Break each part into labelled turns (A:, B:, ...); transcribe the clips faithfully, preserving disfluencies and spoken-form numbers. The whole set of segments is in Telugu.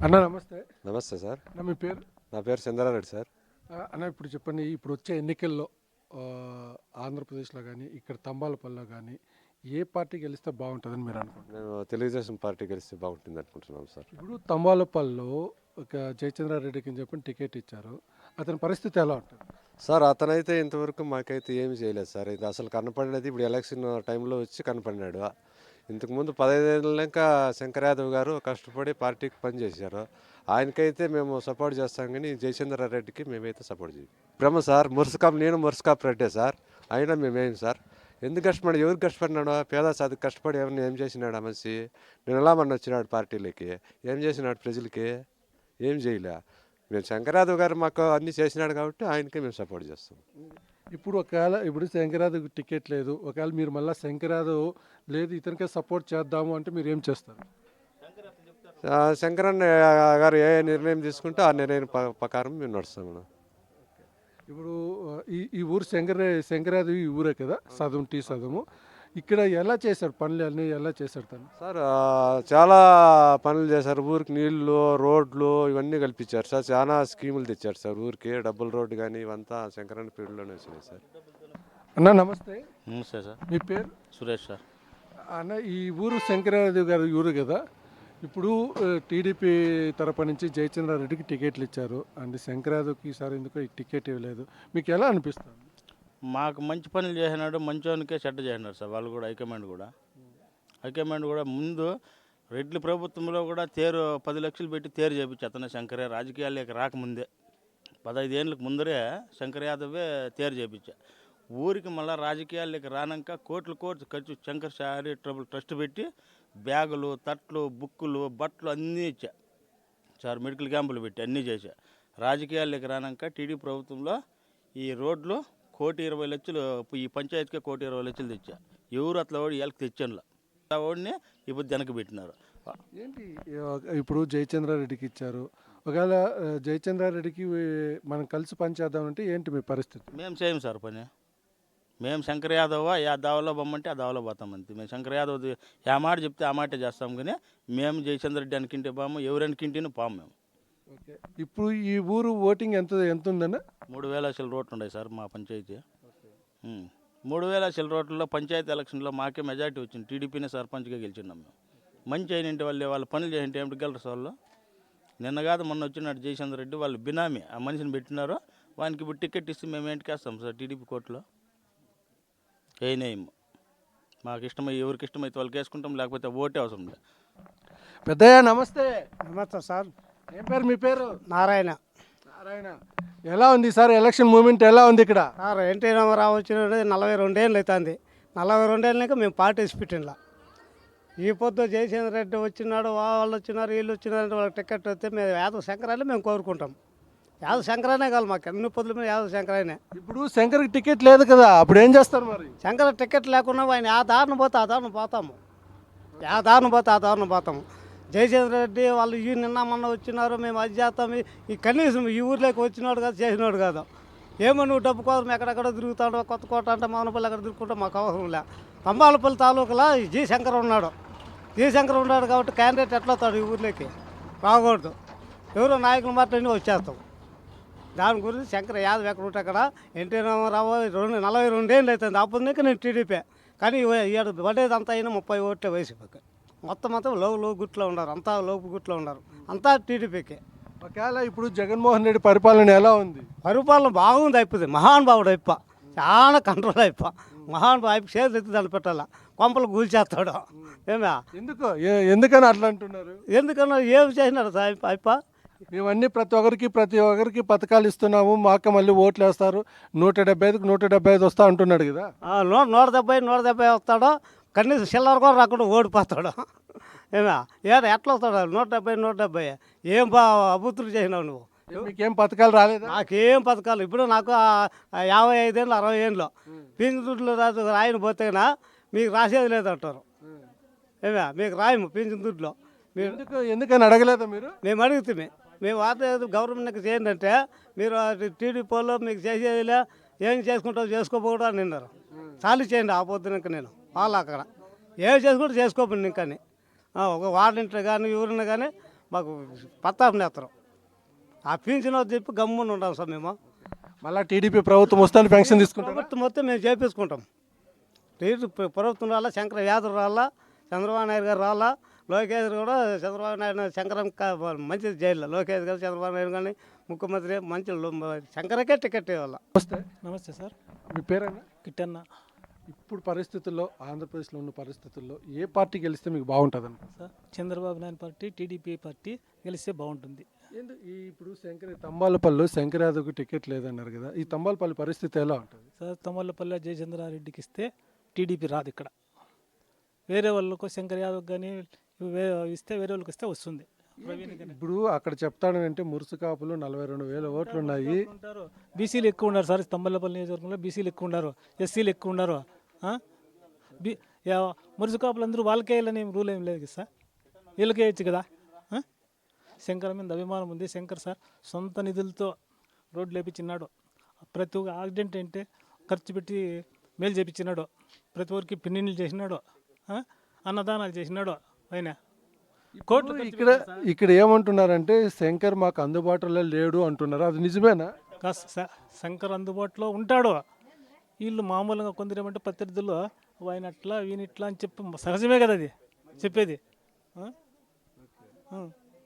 A: అన్న నమస్తే.
B: నమస్తే సార్.
A: అన్న మీ పేరు?
B: నా పేరు చంద్రారెడ్డి సార్.
A: ఆహ్, అన్న ఇప్పుడు చెప్పండి, ఇప్పుడు వచ్చే ఎన్నికల్లో ఆహ్, ఆంధ్రప్రదేశ్‌లో గానీ, ఇక్కడ తంబాలపల్లిలో గానీ ఏ పార్టీ గెలిస్తే బావుంటదని మీరు అనుకుంటున్నారు?
B: మేము తెలుగుదేశం పార్టీ గెలిస్తే బాగుంటుంది అనుకుంటున్నాం సార్.
A: ఇప్పుడు తంబాలపల్లిలో ఒక జయచంద్రారెడ్డికి అని చెప్పి టికెట్ ఇచ్చారు. అతని పరిస్థితి ఎలా ఉంటుంది?
B: సార్ అతనైతే ఇంతవరకు మాకైతే ఏమి చేయలేదు సార్. ఇది అసలు కనపడినది ఇప్పుడు ఎలక్షన్ టైంలో వచ్చి కనపడినాడు. ఇంతకుముందు పదహైదేళ్ళక శంకర్ యాదవ్ గారు కష్టపడి పార్టీకి పనిచేశారు. ఆయనకైతే మేము సపోర్ట్ చేస్తాం కానీ జయచంద్రారెడ్డికి మేమైతే సపోర్ట్ చేయం. బ్రహ్మ సార్ మురుసకాప్ నేను మురుసకాప్ రెడ్డే సార్. అయినా మేమేం సార్ ఎందుకు కష్టపడి ఎవరు కష్టపడినాడు? పేద సాధు కష్టపడి ఎవరిని ఏం చేసినాడు ఆ మనిషి? నేను ఎలా మన వచ్చినాడు పార్టీలోకి? ఏం చేసినాడు ప్రజలకి? ఏం చేయలే. మేము శంకర్ యాదవ్ గారు మాకు అన్నీ చేసినాడు కాబట్టి ఆయనకే మేము సపోర్ట్ చేస్తాం.
A: ఇప్పుడు ఒకవేళ ఇప్పుడు శంకర్ యాదవ్‌కి టికెట్ లేదు. ఒకవేళ మీరు మళ్ళా శంకర్ యాదవ్ లేదు ఇతనికే సపోర్ట్ చేద్దాము అంటే మీరు ఏం చేస్తారు?
B: ఆ, శంకరన్న గారు ఏ నిర్ణయం తీసుకుంటే ఆ నిర్ణయం ప- ప్రకారం మేము నడుస్తాం మేడం.
A: ఇప్పుడు ఆహ్, ఈ ఈ ఊరు శంకర శంకర్ యాదవ్ ఈ ఊరే కదా! సదుం టీ సదుము. ఇక్కడ ఎలా చేశాడు పనులు అన్నీ ఎలా చేశాడు తను?
B: సార్ ఆ, చాలా పనులు చేశారు. ఊరికి నీళ్లు రోడ్లు ఇవన్నీ కల్పించారు సార్. చాలా స్కీములు తెచ్చారు సార్. ఊరికి డబుల్ రోడ్డు కానీ ఇవంతా శంకరన్న పీరియడ్లోనే వచ్చినాయి సార్.
A: అన్న నమస్తే.
C: నమస్తే సార్.
A: మీ పేరు?
C: సురేష్ సార్.
A: అన్న ఈ ఊరు శంకరాదేవి గారి ఊరు కదా! ఇప్పుడు ఆహ్, టీడీపీ తరపు నుంచి జయచంద్రారెడ్డికి టికెట్లు ఇచ్చారు. అండ్ శంకరాదేవికి ఈసారి ఎందుకో ఈ టికెట్ ఇవ్వలేదు. మీకు ఎలా అనిపిస్తుంది?
C: మాకు మంచి పనులు చేసినాడు, మంచోనికే చెడ్డ చేసినాడు సార్. వాళ్ళు కూడా హైకమాండ్ కూడా హైకమాండ్ కూడా ముందు రెడ్ల ప్రభుత్వంలో కూడా తేరు పది లక్షలు పెట్టి తేరు చేపించి అతను శంకరే రాజకీయాల్లోకి రాకముందే పదహైదు ఏళ్ళకి ముందరే శంకర్ యాదవే తేరు చేపించా. ఊరికి మళ్ళీ రాజకీయాల్లోకి రానాక కోట్లు కోట్లు ఖర్చు శంకర్ శారీ ట్రబుల్ ట్రస్ట్ పెట్టి బ్యాగులు తట్లు బుక్కులు బట్టలు అన్నీ ఇచ్చా సార్. మెడికల్ క్యాంపులు పెట్టి అన్నీ చేశా. రాజకీయాల్లోకి రానాక టీడీ ప్రభుత్వంలో ఈ రోడ్లు కోటి ఇరవై లక్షలు ఈ పంచాయతీకే కోటి ఇరవై లక్షలు తెచ్చా. ఎవరు అట్లా వాడి వీళ్ళకి తెచ్చానులా ఆ వాడిని ఇప్పుడు వెనక పెట్టినారు.
A: ఏంటి ఆహ్, ఇప్పుడు జయచంద్రారెడ్డికి ఇచ్చారు. ఒకవేళ ఆహ్, జయచంద్రారెడ్డికి మనం కలిసి పనిచేద్దామంటే ఏంటి మీ పరిస్థితి?
C: మేము చేయం సార్ పని. మేము శంకర్ యాదవ్ ఆ దావలో బొమ్మంటే ఆ దావలో పోతాం అంతే. మేము శంకర్ యాదవ్ ఆ మాట చెప్తే ఆ మాటే చేస్తాం కానీ మేము జయచంద్ర రెడ్డి అనుకుంటే పాము ఎవరనుకుంటేనే పాము మేము.
A: ఓకే. ఇప్పుడు ఈ ఊరు ఓటింగ్ ఎంత ఎంత ఉందన్న?
C: మూడు వేల అసలు రోడ్లు ఉన్నాయి సార్ మా పంచాయతీ. ఉమ్. మూడు వేల అసలు రోడ్లలో పంచాయతీ ఎలక్షన్లో మాకే మెజార్టీ వచ్చింది. టీడీపీనే సర్పంచ్గా గెలిచినాం మేము. మంచి అయినంటే వాళ్ళు వాళ్ళ పనులు చేయంటే ఏమిటి గెలరు సార్ వాళ్ళు. నిన్న కాదు మొన్న వచ్చినాడు జయచంద్ర రెడ్డి వాళ్ళు బినామీ ఆ మనిషిని పెట్టినారు. వానికి ఇప్పుడు టికెట్ ఇస్తే మేము ఏంటికి వేస్తాం సార్ టీడీపీ కోర్టులో. ఏనేం మాకు ఇష్టమై ఎవరికి ఇష్టమైతే వాళ్ళకి వేసుకుంటాం, లేకపోతే ఓటే అవసరం లేదు.
A: పెద్దయ్య నమస్తే.
D: నమస్తే సార్.
A: ఏం పేరు మీ పేరు?
D: నారాయణ.
A: నారాయణ. ఎలా ఉంది సార్ ఎలక్షన్ మూమెంట్ ఎలా ఉంది ఇక్కడ?
D: సార్ ఎన్టీ రామారావు వచ్చిన నలభై రెండేళ్ళు అవుతుంది. నలభై రెండేళ్ళకి మేము పార్టీస్ పెట్టినలా. ఈ పొద్దు జయచంద్ర రెడ్డి వచ్చినాడు, వాళ్ళు వచ్చినారు, వీళ్ళు వచ్చినారు, వాళ్ళకి టికెట్ వస్తే మేము యాదవ్ శంకరాన్ని మేము కోరుకుంటాం. యాదవ్ శంకరానే కాదు మాకు అన్ని పొద్దుల మీద యాదవ్ శంకరానే.
A: ఇప్పుడు శంకర్కి టికెట్ లేదు కదా, అప్పుడు ఏం చేస్తారు మరి?
D: శంకర టికెట్ లేకుండా ఆయన ఆ దారిని పోతే ఆ దారిని పోతాము. ఆ దారిని పోతే ఆ దారిని పోతాము. జయచంద్ర రెడ్డి వాళ్ళు ఈ నిన్న మొన్న వచ్చినారు, మేము అది చేస్తాం, ఈ కనీసం ఈ ఊర్లోకి వచ్చినాడు కాదు, చేసినాడు కాదు. ఏమో నువ్వు డబ్బు కోసం ఎక్కడెక్కడ తిరుగుతాడో, కొత్త కోట అంటే మౌనపల్లి ఎక్కడ తిరుగుకుంటా మాకు అవసరం లే. తంబాలపల్లి తాలూకులో ఈ జీ శంకర్ ఉన్నాడు. జీ శంకర్ ఉన్నాడు కాబట్టి క్యాండిడేట్ ఎట్లా వస్తాడు ఈ ఊర్లోకి? రాకూడదు. ఎవరో నాయకులు మాట్లాడి వచ్చేస్తాం. దాని గురించి శంకర్ యాదవ్ ఎక్కడ ఉంటే అక్కడ ఎన్టీ రామారావు రెండు నలభై రెండేళ్ళు అవుతుంది. అప్పుడు నుంచి నేను టీడీపీ. కానీ ఏడు పడేది అంతా అయినా ముప్పై ఓట్లే వైసీపీకి. మొత్తం అంతా లోపు లోపు గుట్లో ఉన్నారు, అంతా లోపు గుట్లో ఉన్నారు, అంతా టీడీపీకి.
A: ఒకవేళ ఇప్పుడు జగన్మోహన్ రెడ్డి పరిపాలన ఎలా ఉంది?
D: పరిపాలన బాగుంది. అయిపోయింది మహానుభావుడు అయిపో, చాలా కంట్రోల్ అయిపో. మహానుభావు అయిపో చేతులు ఎత్తి దాన్ని పెట్టాల, కొంపలు కూల్చేస్తాడు. ఏమే
A: ఎందుకు ఏ- ఎందుకని అట్లా అంటున్నారు?
D: ఎందుకన్నా ఏమి చేసినాడు సార్ అయిపో?
A: మేమన్నీ ప్రతి ఒక్కరికి ప్రతి ఒక్కరికి పథకాలు ఇస్తున్నాము, మాకు మళ్ళీ ఓట్లు వేస్తారు, నూట డెబ్బై ఐదుకి నూట డెబ్బై ఐదు వస్తా అంటున్నాడు కదా.
D: నూట నూట డెబ్బై నూట డెబ్బై వస్తాడో, కనీసం చిల్లర కూడా రాకుండా ఓడిపోతాడు. ఏమే ఏడా ఎట్లా వస్తాడు? నూట డెబ్బై నూట డెబ్బై ఏం బా అభివృద్ధులు చేసినావు నువ్వు?
A: మీకేం పథకాలు రాలేదా?
D: నాకేం పథకాలు ఇప్పుడు నాకు ఆ- ఆ యాభై ఐదేళ్ళు అరవై ఏళ్ళు పింఛన్ దుడ్లు రాదు రాయని పోతేనా మీకు రాసేది లేదంటారు. ఏమే మీకు రాయము పింఛన్ దుడ్లో. మీరు
A: ఎందుకు ఎందుకని అడగలేదా మీరు?
D: మేము అడుగుతుంది మేము వార్త గవర్నమెంట్కి చేయండి అంటే మీరు టీడీపీలో మీకు చేసేదిలే, ఏం చేసుకుంటావు చేసుకోపోవడం అని నిన్నారు. చాలు చేయండి ఆ పొద్దునక నేను వాళ్ళు అక్కడ ఏం చేసుకుంటే చేసుకోపోయింది ఇంకని ఒక వార్డింట్లో కానీ ఎవరిని కానీ మాకు పత్తాపు నేత్రం ఆ పింఛన్ చెప్పి గమ్మున ఉంటాం సార్ మేము.
A: మళ్ళీ టీడీపీ ప్రభుత్వం వస్తాను పెన్షన్ తీసుకుంటారు.
D: ప్రభుత్వం మొత్తం మేము చేపించుకుంటాం. రేటు ప్రభుత్వం రాలా, శంకర యాదవ్ రాలా, చంద్రబాబు నాయుడు గారు రాలా, లోకేష్ కూడా చంద్రబాబు నాయుడు శంకరం మంచిది జైల్లో లోకేష్ గారు చంద్రబాబు నాయుడు కానీ ముఖ్యమంత్రి మంచి శంకరకే టికెట్ ఇవ్వాల.
A: నమస్తే,
E: నమస్తే సార్,
A: మీ పేరేనా?
E: కిట్టన్న.
A: ఇప్పుడు పరిస్థితుల్లో ఆంధ్రప్రదేశ్లో ఉన్న పరిస్థితుల్లో ఏ పార్టీ గెలిస్తే మీకు బాగుంటుంది అనుకుంటున్నారు?
E: Sir Chandrababu Naidu party, TDP party గెలిస్తే బాగుంటుంది.
A: ఏంది ఈ ఇప్పుడు శంకర తంబాలపల్లి శంకర్ యాదవ్కి టికెట్ లేదన్నారు కదా, ఈ తంబాలపల్లి పరిస్థితి ఎలా ఉంటుంది?
E: సార్ తమ్మలపల్లి జయచంద్రారెడ్డికి ఇస్తే టీడీపీ రాదు. ఇక్కడ వేరే వాళ్ళకు శంకర్ యాదవ్ కానీ ఇస్తే వేరే వాళ్ళకి ఇస్తే వస్తుంది. ప్రవీణ్ కానీ
A: ఇప్పుడు అక్కడ చెప్తాను అంటే మురుసు కాపులు నలభై రెండు వేల ఓట్లు ఉన్నాయి.
E: ఉంటారు, బీసీలు ఎక్కువ ఉన్నారు సార్. తమ్మలపల్లి నియోజకవర్గంలో బీసీలు ఎక్కువ ఉన్నారు, ఎస్సీలు ఎక్కువ ఉన్నారు. ఆ? బీ యా- మురుసు కాపులు అందరూ వాళ్ళకే వెళ్ళని రూల్ ఏం లేదు కదా సార్, వీళ్ళకే వేయచ్చు కదా. ఆ? శంకర్ మీద అభిమానం ఉంది. శంకర్ సార్ సొంత నిధులతో రోడ్లు వేపించినాడు. ప్రతి ఒక్క యాక్సిడెంట్ అంటే ఖర్చు పెట్టి మేలు చేపించినాడు. ప్రతి ఒక్కరికి పిన్నిళ్ళు చేసినాడు. ఆ? అన్నదానాలు చేసినాడు. ఆయన కోట్లు ఖర్చు
A: ఇక్కడ ఇక్కడ ఏమంటున్నారంటే శంకర్ మాకు అందుబాటులో లేడు అంటున్నారు, అది నిజమేనా?
E: కాస్త స- శంకర్ అందుబాటులో ఉంటాడు. వీళ్ళు మామూలుగా కొందరు ఏమంటే ప్రత్యర్థులు ఆయన అట్లా వీని ఇట్లా అని చెప్పి సహజమే కదా అది చెప్పేది. ఆ? ఆ.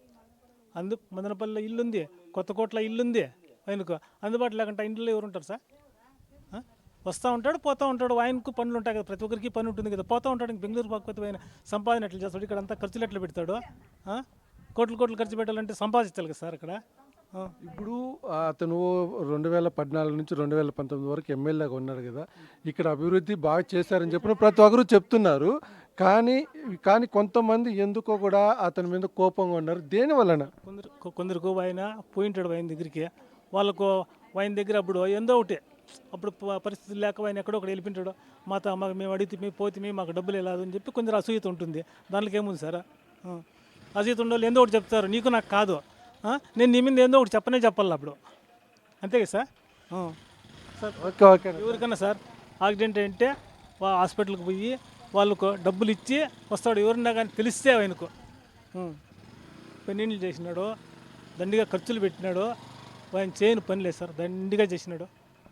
E: అందు మదనపల్లిలో ఇల్లుంది, కొత్త కోట్ల ఇల్లుంది. ఆయనకు అందుబాటులో లేకుండా ఇంట్లో ఎవరు ఉంటారు సార్? ఆ? వస్తూ ఉంటాడు, పోతూ ఉంటాడు. ఆయనకు పనులు ఉంటాయి కదా, ప్రతి ఒక్కరికి పని ఉంటుంది కదా. పోతూ ఉంటాడు. ఇంక బెంగళూరు పక్కన ఆయన సంపాదన ఎట్లా చేస్తాడు? ఇక్కడ అంతా ఖర్చులు ఎట్లా పెడతాడు? ఆ? కోట్లు కోట్లు ఖర్చు పెట్టాలంటే సంపాదించాలి కదా సార్ అక్కడ. ఆ.
A: ఇప్పుడు అతను రెండు వేల పద్నాలుగు నుంచి రెండు వేల పంతొమ్మిది వరకు ఎమ్మెల్యేగా ఉన్నాడు కదా, ఇక్కడ అభివృద్ధి బాగా చేశారని చెప్పిన ప్రతి ఒక్కరు చెప్తున్నారు. కానీ కానీ కొంతమంది ఎందుకో కూడా అతని మీద కోపంగా ఉన్నారు. దేని వలన?
E: కొందరు కొ- కొందరికి ఆయన పోయింటాడు ఆయన దగ్గరికి. వాళ్ళకు ఆయన దగ్గర అప్పుడు ఎందో ఒకటి అప్పుడు ప- పరిస్థితులు లేక ఆయన ఎక్కడో ఒకటి వెళ్ళిపోయింటాడు. మాత మాకు మేము అడిగితే పోతే మాకు డబ్బులు వెళ్ళదు అని చెప్పి కొందరు అసూయత ఉంటుంది. దాంట్లోకి ఏముంది సార్? ఆ. అసూయత ఉండే వాళ్ళు ఎందో ఒకటి చెప్తారు, నీకు నాకు కాదు. ఆ? నేను నీ మీద ఏందో ఒకటి చెప్పనే చెప్పాలి అప్పుడు. అంతే కదా సార్? ఆ. సార్
A: ఓకే ఓకే
E: ఎవరికన్నా సార్ యాక్సిడెంట్ అంటే వా హాస్పిటల్కి పోయి వాళ్ళకు డబ్బులు ఇచ్చి వస్తాడు. ఎవరన్నా కానీ తెలిస్తే ఆయనకు పెన్నీళ్ళు చేసినాడు, దండిగా ఖర్చులు పెట్టినాడు. ఆయన చేయని పని లేదు సార్, దండిగా చేసినాడు.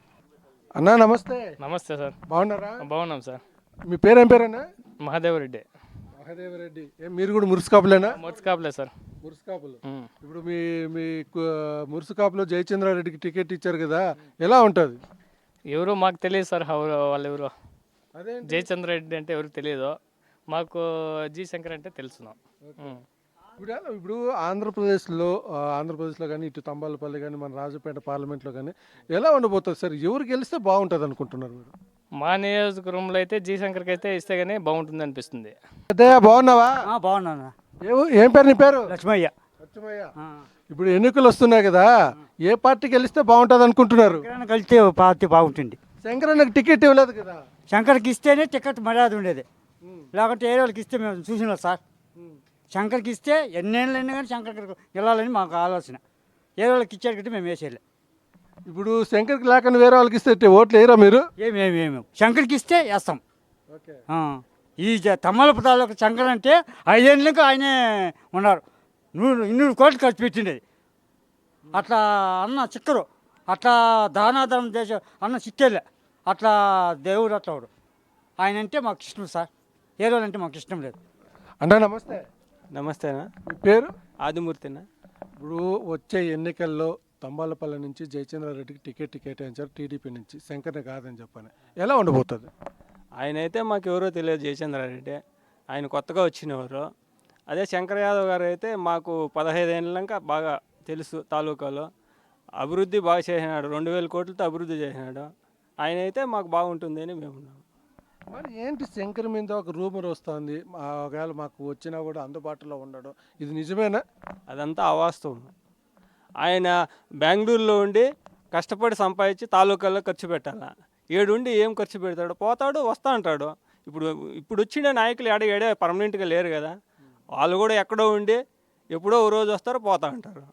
A: అన్నా నమస్తే,
F: నమస్తే సార్,
A: బాగున్నారా?
F: బాగున్నాం సార్.
A: మీ పేరేం పేరన్నా?
F: మహాదేవరెడ్డి.
A: మహాదేవరెడ్డి. ఏం మీరు కూడా మురుసుకాపులేనా?
F: మొత్తుకాపులే సార్.
A: మురుసుకాపులు.
F: ఉమ్.
A: ఇప్పుడు మీ మీ కు- మురుసుకాపులో జయచంద్రారెడ్డికి టికెట్ ఇచ్చారు కదా, ఎలా ఉంటుంది?
F: ఎవరు మాకు తెలియదు సార్, ఎవరు వాళ్ళు ఎవరు.
A: అదే
F: జయచంద్ర రెడ్డి అంటే ఎవరికి తెలియదు, మాకు జి శంకర్ అంటే తెలుసున్నాం. ఉమ్.
A: ఇప్పుడు ఇప్పుడు ఆంధ్రప్రదేశ్లో ఆ, ఆంధ్రప్రదేశ్లో కానీ ఇటు తంబాలపల్లి కానీ మన రాజపేట పార్లమెంట్లో కానీ ఎలా ఉండబోతుంది సార్? ఎవరు గెలిస్తే బాగుంటుంది అనుకుంటున్నారు మీరు?
F: మా నియోజకవర్గంలో అయితే జి శంకర్కి అయితే ఇస్తే కానీ బాగుంటుంది అనిపిస్తుంది.
A: అదే బాగున్నావా?
D: బాగున్నాను.
A: ఏ- ఏం పేరు నీ పేరు?
D: లక్ష్మయ్య.
A: లక్ష్మయ్య. ఇప్పుడు ఎన్నికలు వస్తున్నాయి కదా, ఏ పార్టీ గెలిస్తే బాగుంటుంది అనుకుంటున్నారు?
D: కలిస్తే పార్టీ బాగుంటుంది.
A: శంకరన్నకు టికెట్ ఇవ్వలేదు కదా.
D: శంకర్కి ఇస్తేనే టికెట్ మర్యాద ఉండేది, లేకుంటే ఏ వాళ్ళకి ఇస్తే మేము చూసినాం సార్. శంకర్కి ఇస్తే ఎన్నేళ్ళైనా కానీ శంకర్కి వెళ్ళాలని మాకు ఆలోచన. ఏ వాళ్ళకి ఇచ్చేటట్టు మేము వేసేయాలి.
A: ఇప్పుడు శంకర్కి లేకుండా వేరే వాళ్ళకి ఇస్తే ఓట్లు వేయరా మీరు?
D: ఏమేమి ఏమేమి శంకర్కి ఇస్తే వేస్తాం.
A: ఓకే.
D: ఆ. ఈ తమ్మలపు తాలూకు శంకర్ అంటే ఐదేళ్ళకి ఆయనే ఉన్నారు. నూరు ఇన్నూరు కోట్లు ఖర్చు పెట్టిండేది. అట్లా అన్న చిక్కరు, అట్లా దానాధనం చేసే అన్న చిక్కేలే. అట్లా దేవుడు అట్లా వాడు. ఆయన అంటే మాకు ఇష్టం సార్, ఏ రోజు అంటే మాకు ఇష్టం లేదు.
A: అన్నా నమస్తే,
G: నమస్తేనా,
A: మీ పేరు?
G: ఆదిమూర్తినా.
A: ఇప్పుడు వచ్చే ఎన్నికల్లో తంబాలపల్లి నుంచి జయచంద్రారెడ్డికి టికెట్ కేటాయించారు టీడీపీ నుంచి, శంకర్ని కాదని చెప్పని. ఎలా ఉండబోతుంది?
G: ఆయన అయితే మాకు ఎవరో తెలియదు, జయచంద్రారెడ్డి. ఆయన కొత్తగా వచ్చినవారు. అదే శంకర్ యాదవ్ గారు అయితే మాకు పదహైదు ఏళ్ళక బాగా తెలుసు. తాలూకాలో అభివృద్ధి బాగా చేసినాడు, రెండు వేల కోట్లతో అభివృద్ధి చేసినాడు. ఆయన అయితే మాకు బాగుంటుంది అని మేము ఉన్నాము.
A: మరి ఏంటి శంకర్ మీద ఒక రూమర్ వస్తుంది, ఆ ఒకవేళ మాకు వచ్చినా కూడా అందుబాటులో ఉండడం, ఇది నిజమేనా?
G: అదంతా అవాస్తవం. ఆయన బెంగళూరులో ఉండి కష్టపడి సంపాదించి తాలూకాల్లో ఖర్చు పెట్టాల. ఏడుండి ఏం ఖర్చు పెడతాడు? పోతాడు, వస్తా అంటాడు. ఇప్పుడు ఇప్పుడు వచ్చిన నాయకులు ఎడ ఎడే పర్మనెంట్గా లేరు కదా, వాళ్ళు కూడా ఎక్కడో ఉండి ఎప్పుడో ఓ రోజు వస్తారు, పోతా అంటారు.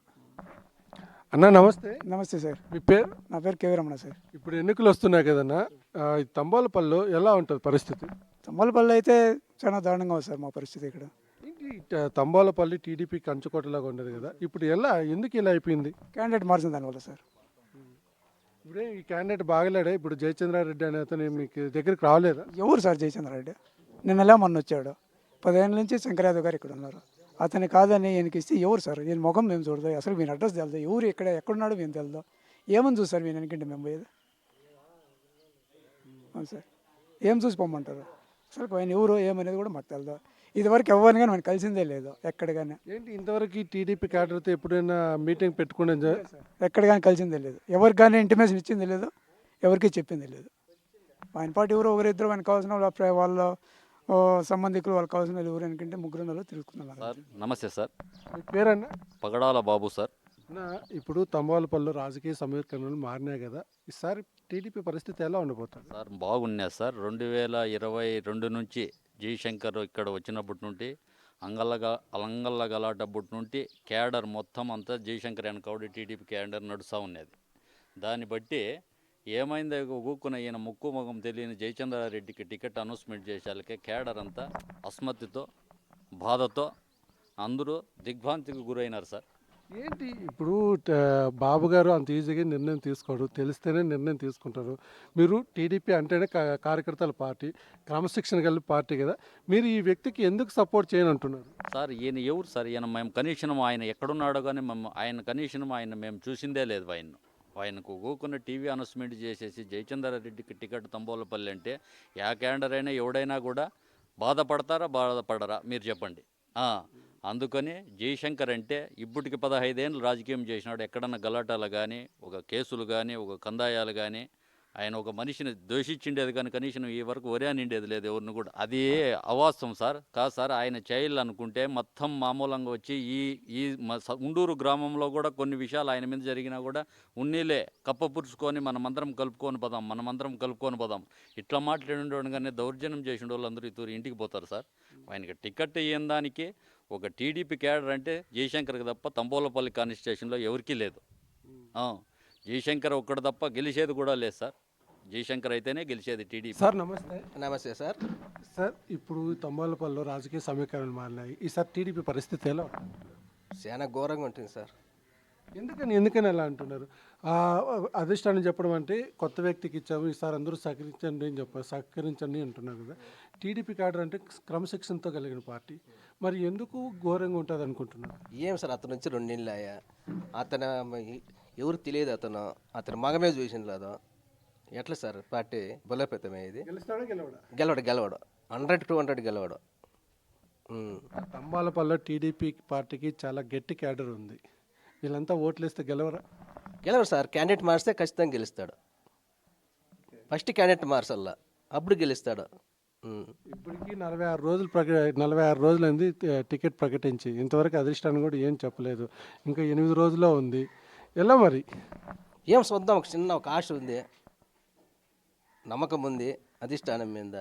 A: అన్నా నమస్తే,
H: నమస్తే సార్,
A: మీ పేరు?
H: నా పేరు కేవరమణ సార్.
A: ఇప్పుడు ఎన్నికలు వస్తున్నాయి కదన్నా, ఆ, ఈ తంబాలపల్లిలో ఎలా ఉంటుంది పరిస్థితి?
H: తమ్మలపల్లి అయితే చాలా దారుణంగా ఉంది సార్ మా పరిస్థితి ఇక్కడ.
A: ఏంటి ఏంటి ట- తంబాలపల్లి టీడీపీ కంచుకోటలాగా ఉండదు కదా, ఇప్పుడు ఎలా ఎందుకు ఇలా అయిపోయింది?
H: క్యాండిడేట్ మార్చిన దానివల్ల సార్.
A: ఇప్పుడే ఈ క్యాండిడేట్ బాగలేడా? ఇప్పుడు జయచంద్రారెడ్డి అనే అతను మీకు దగ్గరికి రాలేదా?
H: ఎవరు సార్ జయచంద్రారెడ్డి? నిన్నలా మొన్న వచ్చాడు. పదిహేను నుంచి శంకర్యాదవ్ గారు ఇక్కడ ఉన్నారు. అతను కాదని ఈయనకి ఇస్తే ఎవరు సార్? ఈయన ముఖం మేము చూడదు, అసలు వీని అడ్రస్ తెలుదు, ఎవరు ఇక్కడ ఎక్కడున్నాడో మేము తెలుదు. ఏమని చూస్తారు వీని వెనకంటే మేము పోయేది? అవును సార్, ఏం చూసి పొమ్మంటారు? అసలు ఆయన ఎవరు ఏమనేది కూడా మాకు తెలుదు. ఇదివరకు ఎవరిని కానీ మనం కలిసిందే లేదు ఎక్కడ కానీ.
A: ఏంటి ఇంతవరకు టీడీపీ క్యాడర్తో ఎప్పుడైనా మీటింగ్ పెట్టుకునే
H: ఎక్కడ కానీ కలిసిందే లేదు, ఎవరికి కానీ ఇంటిమేషన్ ఇచ్చింది లేదు, ఎవరికి చెప్పింది లేదు. ఆయన పాటు ఎవరో ఒకరిద్దరు ఆయనకు కావాల్సిన వాళ్ళ ప్ర- వాళ్ళ ఓ, సంబంధికులు వాళ్ళకి కావాల్సిన వాళ్ళు ఎవరు అనుకుంటే ముగ్గురు నెలలు తిరుగుతున్నారు.
I: సార్ నమస్తే సార్,
A: మీ పేరన్నా?
I: పగడాల బాబు సార్.
A: నా ఇప్పుడు తంబాలపల్లిలో రాజకీయ సమీకరణలు మారినాయి కదా, ఈసారి టీడీపీ పరిస్థితి ఎలా ఉండబోతుంది?
I: సార్ బాగున్నాయి సార్. రెండు వేల ఇరవై రెండు నుంచి జయశంకర్ ఇక్కడ వచ్చినప్పటి నుండి అంగల్లగా అలంగల్ల గలాటప్పటి నుండి క్యాడర్ మొత్తం అంతా జయశంకర్ వెనకౌడి టీడీపీ క్యాడర్ నడుస్తూ ఉన్నది. దాన్ని బట్టి ఏమైందో ఊక్కున ఈయన ముక్కు ముఖం తెలియని జయచంద్రారెడ్డికి టికెట్ అనౌన్స్మెంట్ చేసేళ్ళకే క్యాడర్ అంతా అస్మత్తితో బాధతో అందరూ దిగ్భ్రాంతికి గురైనారు సార్.
A: ఏంటి ఇప్పుడు ట- బాబు గారు అంత ఈజీగా నిర్ణయం తీసుకోరు, తెలిస్తేనే నిర్ణయం తీసుకుంటారు. మీరు టీడీపీ అంటేనే కా- కార్యకర్తల పార్టీ, క్రమశిక్షణ కలిగిన పార్టీ కదా, మీరు ఈ వ్యక్తికి ఎందుకు సపోర్ట్ చేయని అంటున్నారు?
I: సార్ ఈయన ఎవరు సార్? ఈయన మేము కనీసం ఆయన ఎక్కడున్నాడో కానీ మేము ఆయన కనీసం ఆయన మేము చూసిందే లేదు. ఆయన ఆయనకు ఊకున్న టీవీ అనౌన్స్మెంట్ చేసేసి జయచంద్రారెడ్డికి టికెట్ తంబోలపల్లి అంటే యా క్యాండర్ అయినా ఎవడైనా కూడా బాధపడతారా బాధపడరా మీరు చెప్పండి. ఆ, అందుకని జయశంకర్ అంటే ఇప్పటికి పదహైదేళ్ళు రాజకీయం చేసినాడు. ఎక్కడన్నా గలాటాలు కానీ ఒక కేసులు కానీ ఒక కందాయాలు కానీ ఆయన ఒక మనిషిని దోషించిండేది కానీ కనీసం ఈ వరకు ఒరే నిండేది లేదు ఎవరిని కూడా. అది అవాస్తవం సార్. కాదు సార్, ఆయన చేయాలనుకుంటే మొత్తం మామూలంగా వచ్చి ఈ ఈ మ- స- ఉండూరు గ్రామంలో కూడా కొన్ని విషయాలు ఆయన మీద జరిగినా కూడా ఉన్నీలే కప్పపురుచుకొని మనమందరం కలుపుకొని పోదాం మనమందరం కలుపుకొని పోదాం ఇట్లా మాట్లాడి కానీ దౌర్జన్యం చేసిన వాళ్ళందరూ ఇతరు ఇంటికి పోతారు సార్. ఆయనకి టికెట్ ఇయ్యని దానికి ఒక టీడీపీ క్యాడర్ అంటే జయశంకర్కి తప్ప తంబోలపల్లి కాన్స్టిట్యూషన్లో ఎవరికీ లేదు. ఆ, జయశంకర్ ఒక్కడు తప్ప గెలిచేది కూడా లేదు సార్. జయశంకర్ అయితేనే గెలిచేది టీడీపీ.
A: సార్ నమస్తే.
J: నమస్తే సార్.
A: సార్ ఇప్పుడు తంబాలపల్లిలో రాజకీయ సమీకరణలు మారినాయి, ఈసారి టీడీపీ పరిస్థితి ఎలా ఉంటుంది?
J: చాలా ఘోరంగా ఉంటుంది సార్.
A: ఎందుకని ఎందుకని ఎలా అంటున్నారు? ఆ, అధిష్టానం చెప్పడం అంటే కొత్త వ్యక్తికి ఇచ్చాము, ఈసారి అందరూ సహకరించండి అని చెప్పారు, సహకరించండి అంటున్నారు కదా. టీడీపీ క్యాడర్ అంటే క్రమశిక్షణతో కలిగిన పార్టీ, మరి ఎందుకు ఘోరంగా ఉంటుంది అనుకుంటున్నారు?
J: ఏం సార్, అతను వచ్చి రెండు నెలలు అయ్యా, అతను ఎవరు తెలియదు, అతను అతను మగమే చూసిన లేదు. ఎట్లా సార్ పార్టీ బలోపేతమే? ఇది
A: గెలుస్తాడా గెలవడా?
J: గెలవడు గెలవడు హండ్రెడ్ టూ హండ్రెడ్ గెలవడు. ఉమ్.
A: తంబాలపల్లిలో టీడీపీ పార్టీకి చాలా గట్టి క్యాడర్ ఉంది, వీళ్ళంతా ఓట్లు వేస్తే గెలవరా?
J: గెలవడు సార్. క్యాండిడేట్ మారిస్తే ఖచ్చితంగా గెలుస్తాడు. ఫస్ట్ క్యాండిడేట్ మార్చల్లా, అప్పుడు గెలుస్తాడు. ఉమ్.
A: ఇప్పటికీ నలభై ఆరు రోజులు ప్రక నలభై ఆరు రోజులైంది టి- టికెట్ ప్రకటించి, ఇంతవరకు అధిష్టానం కూడా ఏం చెప్పలేదు, ఇంకా ఎనిమిది రోజుల్లో ఉంది. ఎలా మరి?
J: ఏం చూద్దాం, ఒక చిన్న ఒక ఆశ ఉంది, నమ్మకం ఉంది అధిష్టానం మీద.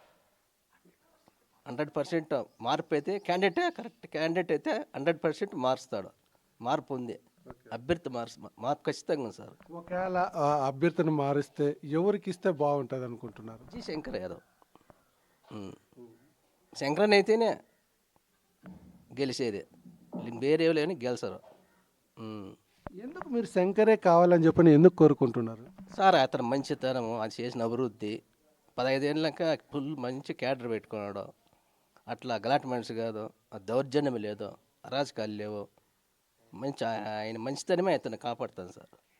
J: హండ్రెడ్ పర్సెంట్ మార్పు అయితే క్యాండిడేటే కరెక్ట్ క్యాండిడేట్ అయితే హండ్రెడ్ పర్సెంట్ మారుస్తాడు. మార్పు ఉంది, అభ్యర్థి మార్చు మార్పు ఖచ్చితంగా ఉంది సార్.
A: ఒకవేళ ఆ అభ్యర్థిని మారిస్తే ఎవరికి ఇస్తే బాగుంటుంది అనుకుంటున్నారు?
J: జి శంకర్ యాదవ్. ఉమ్. శంకరన్ అయితేనే గెలిచేది, వేరే లేని గెలిచారు. ఉమ్.
A: ఎందుకు మీరు శంకరే కావాలని చెప్పని ఎందుకు కోరుకుంటున్నారు?
J: సార్ అతను మంచితనం, అది చేసిన అభివృద్ధి, పదహైదేళ్ళక ఫుల్ మంచి క్యాడర్ పెట్టుకున్నాడు. అట్లా గలాట్ మనిషి కాదు, ఆ దౌర్జన్యం లేదు, అరాజకాలు లేవు. మంచి ఆయన మంచితనమే అతను కాపాడుతాను సార్.